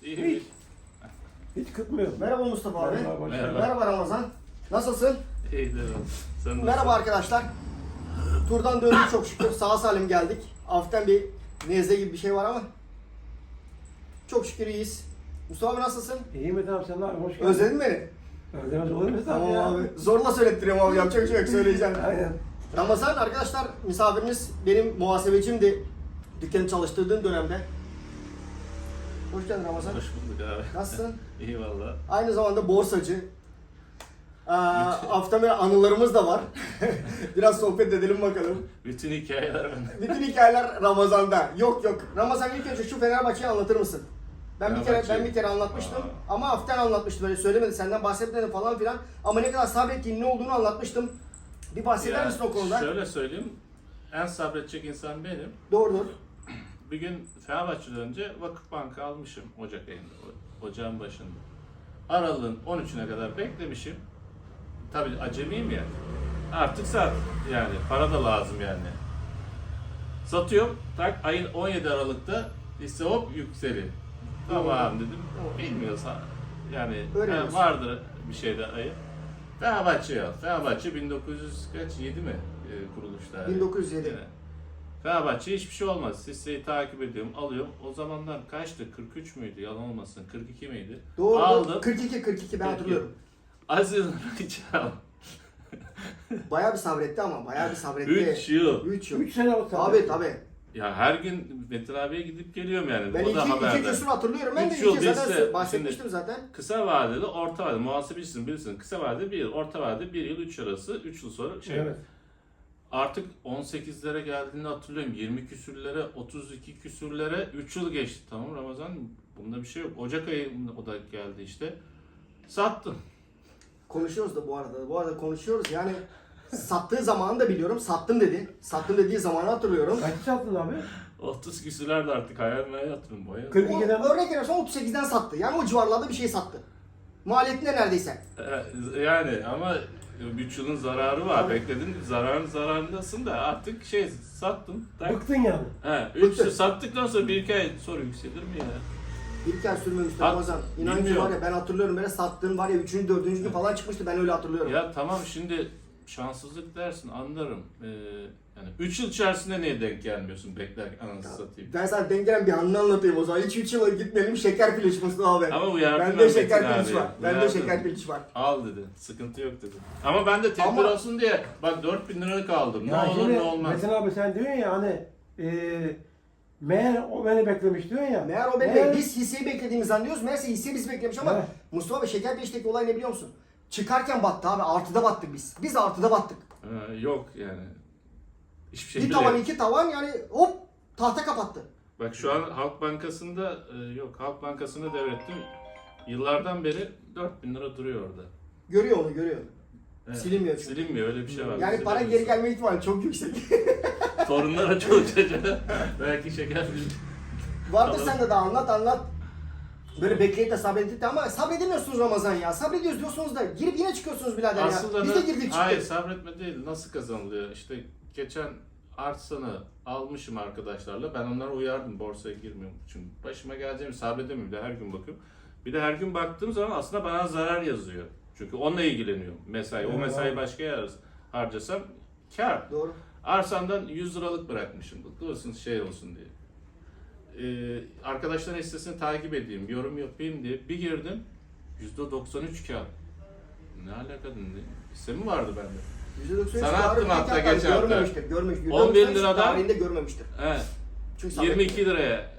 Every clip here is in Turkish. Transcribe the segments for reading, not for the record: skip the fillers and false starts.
Hiç. Hiç kıtmıyor. Merhaba Mustafa abi. Merhaba. Merhaba Ramazan. Nasılsın? İyidir. Sen Merhaba arkadaşlar. Turdan döndük çok şükür. Sağ salim geldik. Hafiften bir nezle gibi bir şey var ama çok şükür iyiyiz. Mustafa abi nasılsın? İyi mi tamam sen abi hoş geldin. Özledin beni. Özlemez olur mu sen Tamam ya? abi. Zorla söylettiriyorum abi. Yapacak bir şey yok. Söyleyeceğim. Aynen. Ramazan arkadaşlar misafirimiz benim muhasebecimdi. Dükkanı çalıştırdığım dönemde. Hoş geldin Ramazan. Hoş bulduk abi. Nasılsın? İyi valla. Aynı zamanda borsacı. Hafta böyle anılarımız da var. Biraz sohbet edelim bakalım. Bütün hikayeler bende. Bütün hikayeler Ramazan'da. Yok. Ramazan ilk önce şu Fenerbahçe'yi anlatır mısın? Ben bir kere anlatmıştım. Ama hafiften anlatmıştım. Böyle söylemedi, senden bahsetmedi falan filan. Ama ne kadar sabrettiğin, ne olduğunu anlatmıştım. Bir bahseder misin o konuda? Şöyle söyleyeyim. En sabredecek insan benim. Doğrudur. Bir gün Fenerbahçe'den önce Vakıfbank'ı almışım Ocak ayında. Ocağın başında. Aralığın 13'üne kadar beklemişim. Tabii acemiyim ya. Artık sat. Yani para da lazım yani. Satıyorum. Tak ayın 17 Aralık'ta hisse hop yükseliyor. Tamam dedim. Bilmiyorsa yani Öğreniyorsun. vardır bir şeyde ayı. Fenerbahçe al. Fenerbahçe 1907 mi kuruluşta? 1907. Yani. Fenerbahçe hiçbir şey olmaz. Hisseyi takip ediyorum, alıyorum. O zamanlar kaçtı? 43 müydü? Yalan olmasın. 42 miydi? Doğru. Aldım. 42 ben hatırlıyorum. Aziz Rıçal. Bayağı bir sabretti ama. Bayağı bir sabretti. 3 yıl. 3 yıl. 3 sene oldu. Tabii. Ya her gün Metin abiye gidip geliyorum yani. Ben O da iki haberde. küsur hatırlıyorum. Ben de Üç yıl iki zaten değilse, bahsetmiştim şimdi zaten. Kısa vadeli, orta vadeli. Muhasebecisin bilirsin. Kısa vadeli 1 yıl, orta vadeli 1 yıl 3 arası. 3 yıl sonra Evet. Artık 18'lere geldiğini hatırlıyorum. 20 küsürlere, 32 küsürlere 3 yıl geçti. Tamam Ramazan bunda bir şey yok. Ocak ayında o da geldi işte. Sattım. Konuşuyoruz da bu arada. Bu arada konuşuyoruz. Yani sattığı zamanı da biliyorum. Sattım dedi. Sattım dediği zamanı hatırlıyorum. Kaçı sattın abi? 30 küsürlerde artık hayalime yattım bayağı. 42'den. Örnek veriyorsan 38'den sattı. Yani o civarlarda bir şey sattı. Maliyetinde neredeyse. Yani ama 3 yılın zararı var. Tabii. Bekledin zararındasın da artık sattım. Bıktın yani. He, 3 yıl sattıktan sonra 1-2 ay sonra yükselir mi ya? Bir kere sürmemişti Hat- Ramazan. İnan ki bilmiyorum. var ya ben hatırlıyorum. Böyle sattığın var ya 3. 4. gün falan çıkmıştı. Ben öyle hatırlıyorum. Ya tamam şimdi şanssızlık dersin anlarım. Yani 3 yıl içerisinde niye denk gelmiyorsun bekler anasını satayım. Ben sana denk gelen bir anını anlatayım o zaman. Hiç 3 yıla gitmeyelim. Şeker piliç Mustafa abi. Ama uyardım Bende ben şeker Metin piliç abi. var. Bende Uyardım. şeker piliç var. Al dedi. Sıkıntı yok dedi. Ama ben de tedbir Ama- olsun diye bak 4.000 liralık aldım. Ne Ya olur şimdi ne olmaz. Metin abi sen diyorsun ya hani meğer o beni beklemiş diyorsun ya. Meğer o bekle. Biz hisseyi beklediğimizi anlıyoruz. Meğerse hisseyi biz beklemiş ama Evet. Mustafa Bey şeker pilişteki olay ne biliyor musun? Çıkarken battı abi. Artıda battık biz. Biz artıda battık. Yok yani. Hiçbir şey Bir bile tavan yok. iki tavan yani hop tahta kapattı. Bak şu an Halk Bankası'nda yok. Halk Bankası'nda devrettim. Yıllardan beri 4.000 lira duruyor orada. Görüyor onu görüyor. Evet. Silinmiyor çünkü. Silinmiyor öyle bir şey var. Yani para geri gelme ihtimali çok yüksek. Torunlara çok çocuğa belki şeker Vardır Tamam. sende de anlat. Böyle bekleyip de sabredip de ama sabredemiyorsunuz Ramazan ya. Sabrediyoruz diyorsunuz da girip yine çıkıyorsunuz birader Aslında ya. Biz de girdik çıktık. hayır sabretme değil. Nasıl kazanılıyor? İşte geçen arsanı almışım arkadaşlarla. Ben onlara uyardım borsaya girmiyorum. Çünkü başıma geleceğimi sabredemiyorum. Bir de her gün bakıyorum. Bir de her gün baktığım zaman aslında bana zarar yazıyor. Çünkü onunla ilgileniyorum. Mesai. O Evet, mesai abi. başka yere harcasam kar. Doğru. Arsamdan 100 liralık bırakmışım. Dursun şey olsun diye. Arkadaşların hissesini takip edeyim, yorum yapayım diye bir girdim. %93 kar. Ne alaka dedi? Hisse mi vardı bende? %93 Sana attım hatta geçen hafta. Görmemiştir. 11 %93 liradan- tarihinde görmemiştir. Evet. Çünkü sabretmiyor. 22 liraya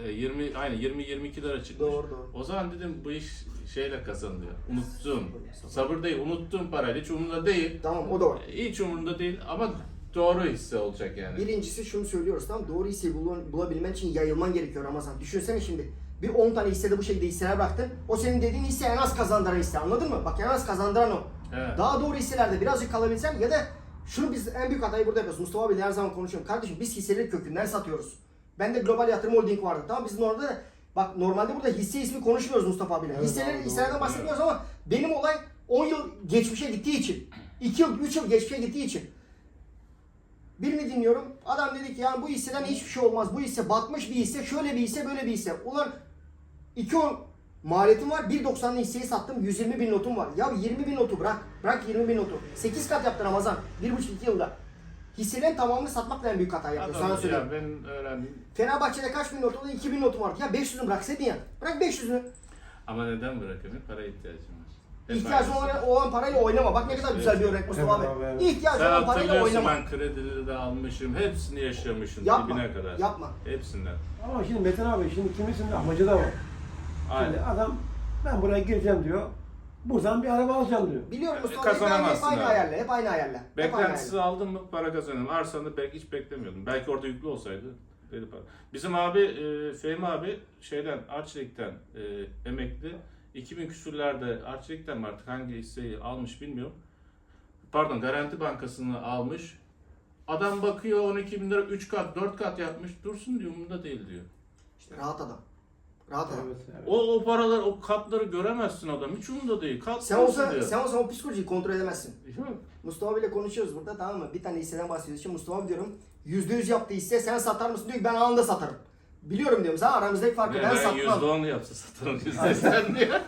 20-22 lira çıkmış. Doğru. O zaman dedim bu iş şeyle kazanılıyor. Unuttum. Sabır değil, unuttum parayla. Hiç umurumda değil. Tamam o da var. Hiç umurumda değil ama doğru hisse olacak yani. Birincisi şunu söylüyoruz tamam doğru hisseyi bulabilmen için yayılman gerekiyor Ramazan. Düşünsene şimdi bir 10 tane hissede bu şekilde hisseler bıraktın. O senin dediğin hisse en az kazandıran hisse anladın mı? Bak en az kazandıran o. Evet. Daha doğru hisselerde birazcık kalabilsen ya da şunu biz en büyük hatayı burada yapıyoruz. Mustafa abiyle her zaman konuşuyorum. Kardeşim biz hisseleri kökünden satıyoruz. Bende Global Yatırım Holding vardı. Tamam bizim orada bak normalde burada hisse ismi konuşmuyoruz Mustafa abiyle. Evet, doğru, Hisselerden doğru. bahsetmiyoruz ama benim olay 10 yıl geçmişe gittiği için 2 yıl 3 yıl geçmişe gittiği için birini dinliyorum. Adam dedi ki yani bu hisseden hiçbir şey olmaz. Bu hisse batmış bir hisse, şöyle bir hisse, böyle bir hisse. Ulan 2.10 maliyetim var. 1.90'lı hisseyi sattım. 120 bin notum var. Ya 20 bin notu bırak. Bırak 20 bin notu. 8 kat yaptı Ramazan. 1,5-2 yılda. Hisselerin tamamını satmakla en büyük hata yapıyor. Sana Adam söyleyeyim. ya ben öğrendim. Fenerbahçe'de kaç bin notu oldu? 2 bin notum vardı. Ya 500'ünü bıraksaydın ya. Bırak 500'ünü. Ama neden bırakamıyor? Para ihtiyacım var. Hep İhtiyacın aynısı. olan parayla oynama. Bak ne kadar güzel bir örnek Mustafa Evet abi. abi. İhtiyacın Sen olan parayla hatırlıyorsun oynama. ben kredileri de almışım. Hepsini yaşamışım Yapma. dibine kadar. Yapma. Hepsinden. Ama şimdi Metin abi şimdi kimisinin amacı da var. Aynen. Şimdi adam ben buraya gireceğim diyor. Buradan bir araba alacağım diyor. Biliyorum Mustafa abi. Hep Kazanamazsın aynı abi. ayarla. Hep aynı ayarla. Hep aynı ayarla. Beklentisiz aldın mı para kazanıyorum. Arsanı belki hiç beklemiyordum. Belki orada yüklü olsaydı dedi para. Bizim abi Fehmi abi şeyden Arçelik'ten emekli. 2000 küsürlerde Arçelik'ten mi artık hangi hisseyi almış bilmiyorum. Pardon Garanti Bankası'nı almış. Adam bakıyor 12 bin lira 3 kat 4 kat yapmış. Dursun diyor umurumda değil diyor. İşte rahat adam. Rahat adam. Evet, evet. O paralar o katları göremezsin adam. Hiç umurumda değil. Kat Sen olsun olsa, diyor. sen olsa o psikolojiyi kontrol edemezsin. Yok. Mustafa abiyle konuşuyoruz burada, tamam mı? Bir tane hisseden bahsediyoruz. Şimdi Mustafa abi diyorum %100 yaptığı hisse sen satar mısın diyor ki ben anında satarım. Biliyorum diyorum sen aramızdaki farkı Ne, ben ben satmam. %10 yapsa satarım %80 diyor.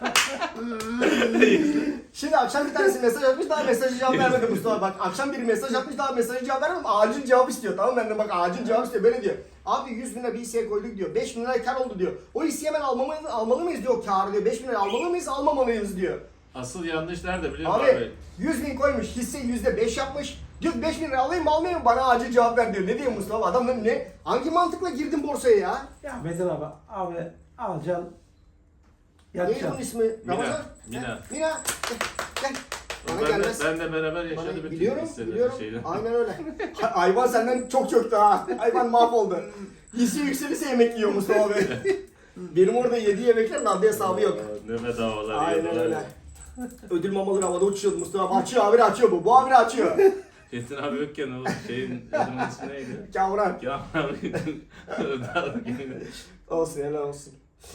Şimdi akşam bir tanesi mesaj atmış daha mesajı cevap vermedi Mustafa. Bak akşam biri mesaj atmış daha mesajı cevap vermedi. Acil cevap istiyor, tamam mı? Ben de bak acil cevap istiyor. Böyle diyor. Abi 100 bin lira bir hisseye koyduk diyor. 5 bin lira kar oldu diyor. O hisseyi hemen almalı mıyız diyor kârı diyor. 5 bin lira almalı mıyız almamalıyız diyor. Asıl yanlış nerede biliyor musun Abi abi? 100 bin koymuş hisse %5 yapmış. Diyor 5 bin lira alayım mı almayayım mı bana acil cevap ver diyor. Ne diyeyim Mustafa adam ne? Hangi mantıkla girdin borsaya ya? Ya Metin abi alacaksın. Neydi bunun Yatacaksın. ismi? Ramazan? Mina. Ha, Mina. Gel. Bana Ben de, gelmez. ben de beraber yaşadı Bana, bütün biliyorum, hisseleri biliyorum. şeyden. Aynen öyle. Hayvan senden çok çöktü ha. Hayvan mahvoldu. Hisse yükselirse yemek yiyor Mustafa Bey. Benim orada yediği yemeklerin adli hesabı yok. Aa, Ne bedavalar Aynen yiyorlar. öyle. Ödül mamaları havada uçuyordu Mustafa. Açıyor abi açıyor bu. Bu abi açıyor. Çetin abi yokken o şeyin adamın ismi neydi? Kavran. Ya abi. Olsun helal olsun.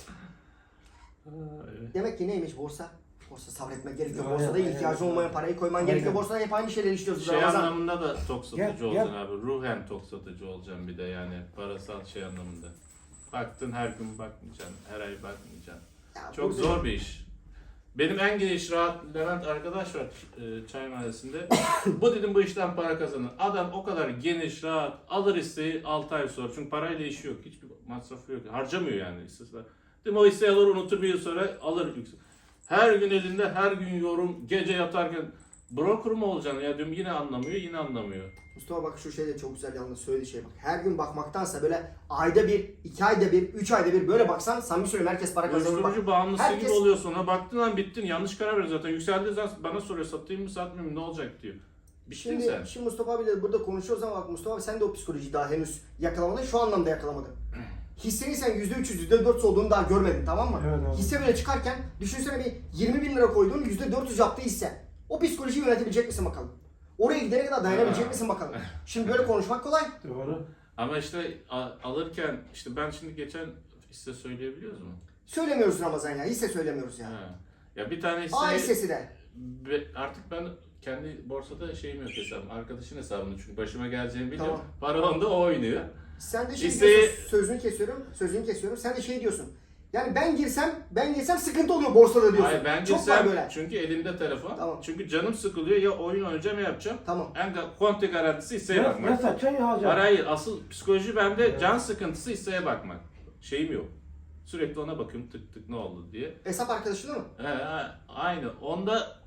Evet. Demek ki neymiş borsa? Borsa sabretmek gerekiyor. Aynen, Borsada aynen. ihtiyacın olmayan parayı koyman Aynen. gerekiyor. Borsada hep aynı şeyleri işliyoruz. Şey Ramazan. anlamında da tok satıcı Gel, olacaksın gel. abi. Ruhen tok satıcı olacaksın bir de yani parasal şey anlamında. Baktın her gün bakmayacaksın, her ay bakmayacaksın. Ya Çok burada- zor bir iş. Benim en geniş rahat Levent arkadaş var çay mahallesinde. Bu dedim bu işten para kazanır. Adam o kadar geniş rahat alır hisseyi 6 ay sonra. Çünkü parayla işi yok. Hiçbir masrafı yok. Harcamıyor yani hissesi. Değil mi? O hisseyi alır unutur bir yıl sonra alır yüksek. Her gün elinde her gün yorum. Gece yatarken broker mu olacaksın ya diyorum yine anlamıyor yine anlamıyor. Mustafa bak şu şey de çok güzel yalnız söylediği şey bak. Her gün bakmaktansa böyle ayda bir, 2 ayda bir, 3 ayda bir böyle baksan samimi söylüyorum herkes para kazanır bak. Uyuşturucu bağımlısı herkes- gibi oluyor sonra. Baktın lan bittin. Yanlış karar veriyorsun zaten. Yükseldiği zaman bana soruyor satayım mı satmayayım mı ne olacak diyor. Bittin sen. Şimdi Mustafa abiyle burada konuşuyoruz ama bak Mustafa abi sen de o psikolojiyi daha henüz yakalamadın. Şu anlamda yakalamadın. Hissenin sen %300, %400 olduğunu daha görmedin, tamam mı? Evet abi. Hisse böyle çıkarken düşünsene bir 20 bin lira koyduğun %400 yaptığı hisse. O psikolojiyi yönetebilecek misin bakalım? Oraya gidene kadar dayanabilecek misin bakalım? Şimdi böyle konuşmak kolay. Doğru. Ama işte alırken işte ben şimdi geçen hisse söyleyebiliyoruz mu? Söylemiyoruz Ramazan ya, hisse söylemiyoruz ya. Ha. Ya bir tane A hisse hissesi de. artık ben kendi borsada şeyim yok hesabım. Arkadaşın hesabını çünkü başıma geleceğini biliyorum. Tamam. Para onda o oynuyor. Sen de şey Hisseyi- diyorsun, sözünü kesiyorum. Sen de şey diyorsun. Yani ben girsem sıkıntı oluyor borsada diyorsun. Hayır ben Çok var girsem böyle. çünkü elimde telefon. Tamam. Çünkü canım sıkılıyor ya oyun oynayacağım ya yapacağım. Tamam. En konti garantisi hisseye Ya bakmak. satacaksın ya alacaksın. Hayır asıl psikoloji bende can sıkıntısı hisseye bakmak. Şeyim yok. Sürekli ona bakıyorum tık tık ne oldu diye. Hesap arkadaşın mı? Aynı. Onda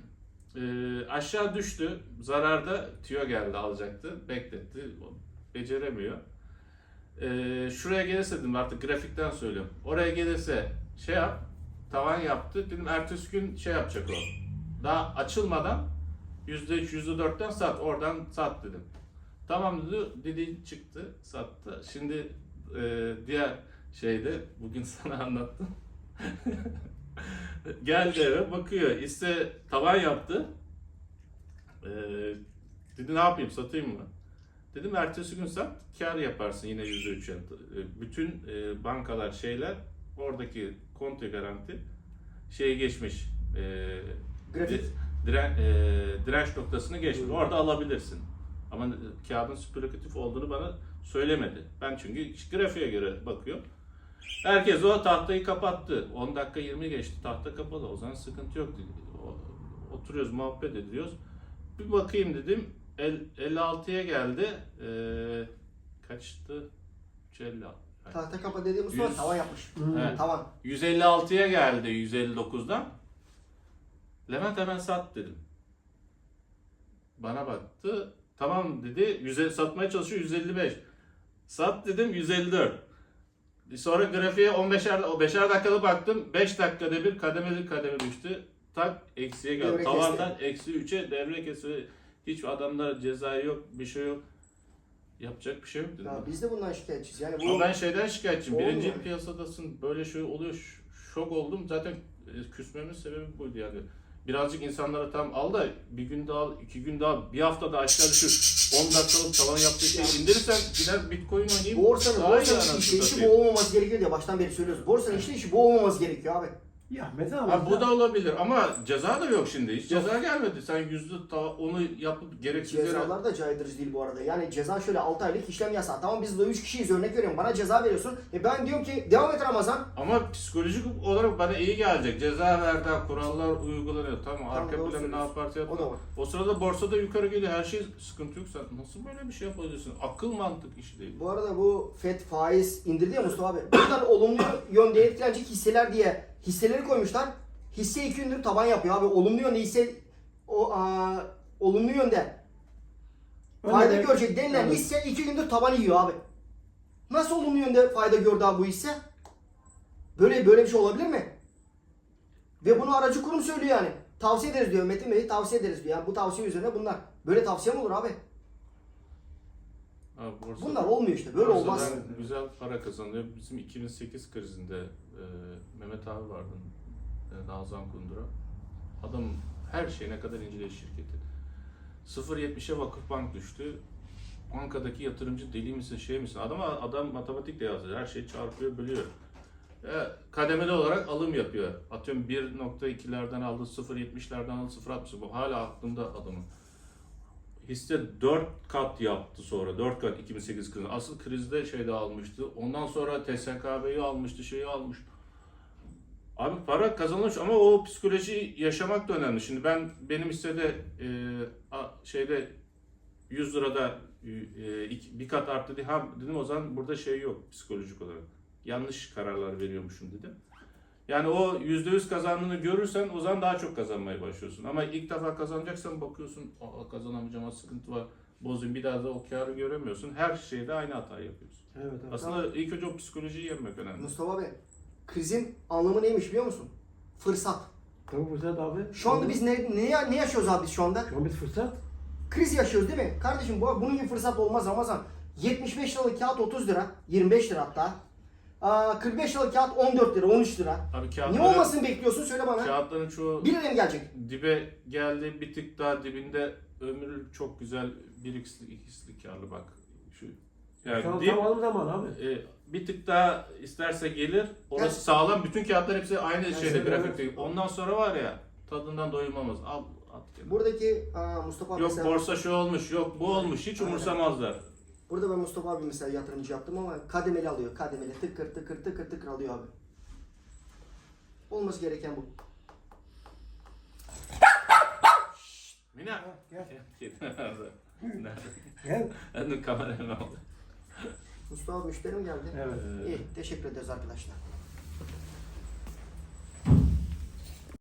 aşağı düştü. Zararda tüyo geldi alacaktı. Bekletti. Beceremiyor. Şuraya gelirse dedim artık grafikten söylüyorum. Oraya gelirse şey yap. Tavan yaptı. Dedim ertesi gün şey yapacak o. Daha açılmadan %3, %4'ten sat. Oradan sat dedim. Tamam dedi çıktı sattı. Şimdi diğer şeyde bugün sana anlattım. Geldi eve bakıyor. Hisse tavan yaptı. Dedi ne yapayım satayım mı? Dedim ertesi gün sat kar yaparsın yine %3 yani. Bütün bankalar şeyler oradaki konti garanti şeye geçmiş. Grafik. Direnç noktasını geçmiş. Orada alabilirsin. Ama kağıdın spekülatif olduğunu bana söylemedi. Ben çünkü grafiğe göre bakıyorum. Herkes o tahtayı kapattı. 10 dakika 20 geçti. Tahta kapalı. O zaman sıkıntı yok dedi. Oturuyoruz, muhabbet ediyoruz. Bir bakayım dedim. 56'ya geldi. Kaçtı? 356. Tahta kapa dediğim Mustafa 100. tavan yapmış. Evet. Tavan. 156'ya geldi 159'dan. Levent hemen sat dedim. Bana baktı. Tamam dedi. Satmaya çalışıyor 155. Sat dedim 154. Sonra grafiğe 5'er dakikada baktım. 5 dakikada bir kademe düştü. Tak eksiye geldi. Devre Tavandan eksi 3'e devre kesi. Hiç adamlar cezayı yok, bir şey yok. Yapacak bir şey yok dedim. Ya biz de bundan şikayetçiyiz. Yani Ama bu ben şeyden şikayetçiyim. Olmuyor. Birinci piyasadasın. Böyle şey oluyor. Şok oldum. Zaten küsmemin sebebi buydu yani. Birazcık insanlara tam al da bir gün daha al, 2 gün daha al, bir hafta da aşağı düşür. 10 dakikalık tavan yaptığı şey indirirsen gider Bitcoin oynayayım. borsanın Daha iyi işi anasını bu satayım. olmaması gerekiyor diye baştan beri söylüyoruz. Borsanın işi bu olmaması gerekiyor abi. Ya Metin abi. Ha, bu da olabilir ama ceza da yok şimdi. Hiç ceza gelmedi. Sen onu yapıp gereksiz yere... Cezalar da caydırıcı değil bu arada. Yani ceza şöyle 6 aylık işlem yasağı. Tamam biz de 3 kişiyiz örnek veriyorum. Bana ceza veriyorsun. Ben diyorum ki devam et Ramazan. Ama psikolojik olarak bana iyi gelecek. Ceza verdi, kurallar uygulanıyor. Tamam, arka doğru plan ne söylüyorsun. yaparsa O da yapma. var. O sırada borsada yukarı geliyor. Her şey sıkıntı yok. Sen nasıl böyle bir şey yapabiliyorsun? Akıl mantık işi değil. Bu arada bu FED faiz indirdi ya Mustafa abi. Buradan olumlu yönde etkilenecek hisseler diye hisseleri koymuşlar. Hisse 2 gündür taban yapıyor abi. Olumlu yönde hisse olumlu yönde fayda Öyle- görecek denilen Evet. hisse 2 gündür taban yiyor abi. Nasıl olumlu yönde fayda gördü abi bu hisse? Böyle bir şey olabilir mi? Ve bunu aracı kurum söylüyor yani. Tavsiye ederiz diyor. Metin Bey tavsiye ederiz diyor. Yani bu tavsiye üzerine bunlar. Böyle tavsiye mi olur abi? Ha, Bunlar olmuyor işte. Böyle olmaz. borsadan güzel para kazanıyor. Bizim 2008 krizinde Mehmet abi vardı. Nazan Kundura. Adam her şeyine kadar inceleyiş şirketi. 0.70'e Vakıfbank düştü. Bankadaki yatırımcı deli misin şey misin? Adam matematikle yazıyor. Her şeyi çarpıyor, bölüyor. Kademeli olarak alım yapıyor. Atıyorum 1.2'lerden aldı, 0.70'lerden aldı, 0.60. Bu hala aklımda adamın. Hisse 4 kat yaptı sonra. 4 kat 2008 krizinde. Asıl krizde şeyde almıştı. Ondan sonra TSKB'yi almıştı, şeyi almış. Abi para kazanılmış ama o psikolojiyi yaşamak da önemli. Şimdi benim hissede şeyde 100 lirada bir kat arttı diye dedim o zaman burada şey yok psikolojik olarak. Yanlış kararlar veriyormuşum dedim. Yani o %100 kazandığını görürsen o zaman daha çok kazanmaya başlıyorsun. Ama ilk defa kazanacaksan bakıyorsun kazanamayacağım, sıkıntı var. Bozayım bir daha da o karı göremiyorsun. Her şeyde aynı hatayı yapıyorsun. Evet, evet. Aslında ilk önce o psikolojiyi yenmek önemli. Mustafa Bey, krizin anlamı neymiş biliyor musun? Fırsat. Tabii fırsat abi. Şu anda biz ne yaşıyoruz abi biz şu anda? Şu an biz fırsat. Kriz yaşıyoruz değil mi? Kardeşim bunun gibi fırsat olmaz Ramazan. 75 liralık kağıt 30 lira, 25 lira hatta. 45 liralık kağıt 14 lira, 13 lira. Abi Ne olmasını bekliyorsun söyle bana. Kağıtların çoğu 1 liraya mı gelecek? dibe geldi, bir tık daha dibinde ömür çok güzel 1x'li 2x'li karlı bak. Şu Şu an dip, tam alım zaman abi. bir tık daha isterse gelir. Orası Yani- sağlam. Bütün kağıtlar hepsi aynı şeyde evet. grafikte. Ondan sonra var ya tadından doyulmamız. Al at kenara. Buradaki Mustafa abi Yok mesela, borsa şu olmuş, yok bu olmuş. Hiç Aynen. umursamazlar. burada ben Mustafa abi mesela yatırımcı yaptım ama kademeli alıyor. Kademeli tıkır tıkır tıkır tıkır alıyor abi. Olması gereken bu. Mina. Gel. Nerede? Nerede? Gel. Ben de kamerayı aldım. Mustafa abi müşterim geldi. Evet. İyi teşekkür ederiz arkadaşlar.